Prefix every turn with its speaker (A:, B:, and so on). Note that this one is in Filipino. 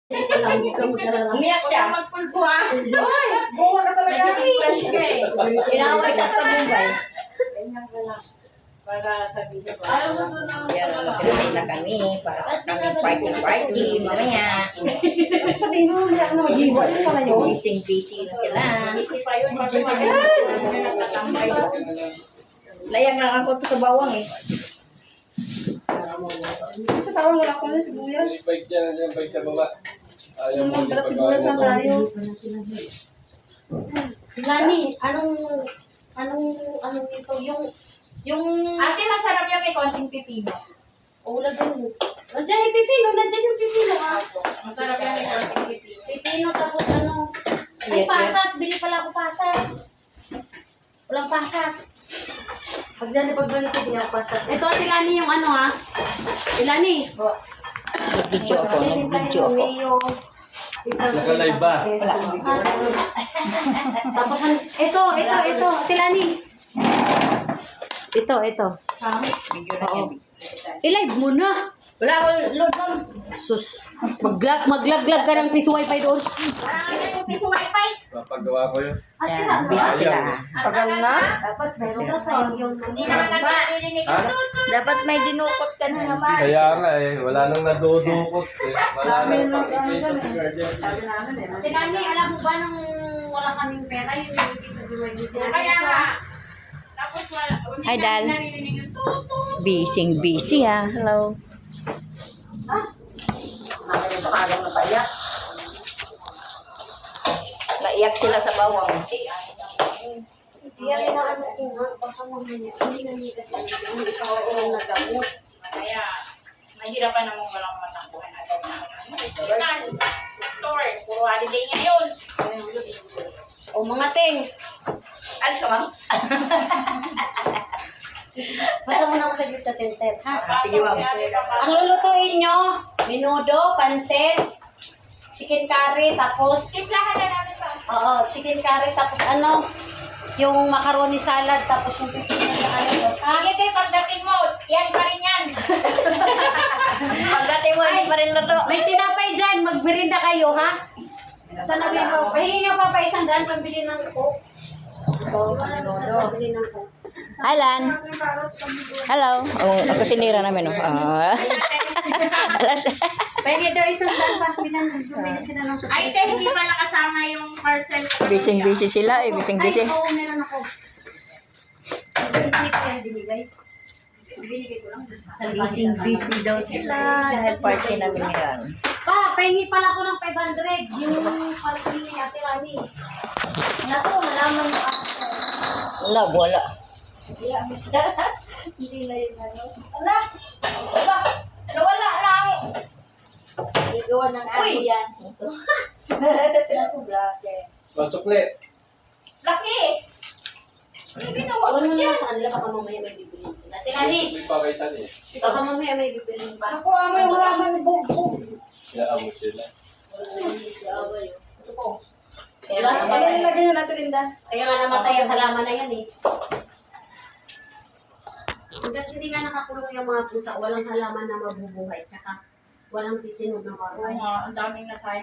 A: Umiyak siya.
B: Magpulpo ah. Ay, buwa ka talaga.
A: Inaway siya sa Mumbai.
B: Ganyan ka lang. Para sabihin ko.
A: Yan, magpapalala na kami para sa kami party mamaya.
B: Sabihin mo, umiyak na mag-iwa. Ano pala yun?
A: Busy na sila.
B: Hindi pa yun.
A: Layang lang ako sa bawang eh.
B: Sa tawang wala ko na sibuyas.
C: Yung bike dyan, yung bike sa baba. Ayaw mo
B: Balat sibuyas na tayo.
A: Lani, anong ito? Yung...
D: Ate, masarap yung may konting pipino.
A: Ulam din. Nandiyan yung pipino, ah.
D: Masarap yung may konting pipino.
A: Pipino tapos ano. Ay, pasas. Bili pala ako pasas. Walang pasas. Pagbalik ko, bili ako pasas. Ito, si Lani yung ano ha. Si Lani. Nag-video ako.
C: Naka-live ba?
A: Tapos, ito. Si Lani. Ito.
D: Video na yan.
A: I-live mo na. Wala akong load lang. Sus. Maglaglag ka ng piso wifi doon.
D: Yung piso wifi.
C: Papagawa ko yun.
A: Sira.
C: Ayaw.
B: Tagal na.
A: Dapat meron ka sa yung...
D: Hindi naman nagpapilinig
C: Ha?
A: Dapat may dinukot ka na naman.
C: Kaya nga eh, wala nang nadudukot eh. Wala nang pakikita si Guardian.
A: Tilani, alam mo ba nung wala kaming pera, yung nilagay sa Zuwagi sila?
D: Kaya nga. Tapos wala.
A: Hi, Dal.
D: Narinig yung tutut.
A: Busy ha. Hello.
B: Nakakita sa kagang na paiyak.
A: Naiyak sila sa bawang.
D: Kaya, mahirapan namang walang matakbuhan agad na. Store, puro holiday ngayon.
A: O mga ting. Alis ka, ma'am? Basta muna ako saglit sa center, ha?
D: Sige, ma'am.
A: Ang lulutuin nyo, menudo, pansit, chicken curry, tapos,
D: Simplahan na natin pa.
A: oo, chicken curry, tapos ano, yung macaroni salad, tapos yung pipino sa kalitos, ha?
D: Sige kayo, pagdating mo, yan pa rin yan.
A: Pagdating mo, hindi pa rin luto. May tinapay dyan, magbirinda kayo, ha? Sana mo, pahingi nyo pa pa isang daan pambili ng coke. Hi, Lan. Hello. Oh, ako sinira namin, oh. Pahingi daw isang daan pa, bumili sila ng coke.
D: Ay, hindi pa nakasama yung parcel.
A: Busy sila, eh. Busy. Ay, oo, meron ako. Hindi ko yan binigay. Binigay ko lang.
E: Busy daw sila dahil party namin ngayon.
A: Pa, pahingi pala ako ng 500. Yung party ni Ate Rani. Naku, malaman mo ako.
E: Wala.
A: Hindi na yun ano.
E: Nawala lang.
A: Igawa ng
E: Uy!
A: yan. Naku, blake.
C: Pasukli.
E: Laki!
A: Huwag mo na sa kanila, baka mamaya may bibilin sila. Ate Rani,
C: May pakaitan eh.
A: baka mamaya may bibilin pa.
B: Ako, amay wala man bug-bug.
C: Kaya amo sila.
A: Ito po.
B: Ay, lagay na natin, Linda.
A: Kaya nga namatay ang halaman na yan eh. Hanggat hindi nga nakakulong yung mga pusa, walang halaman na mabubuhay. Tsaka walang titinog na
D: Oo
A: bahay.
D: nga, ang daming nasayang.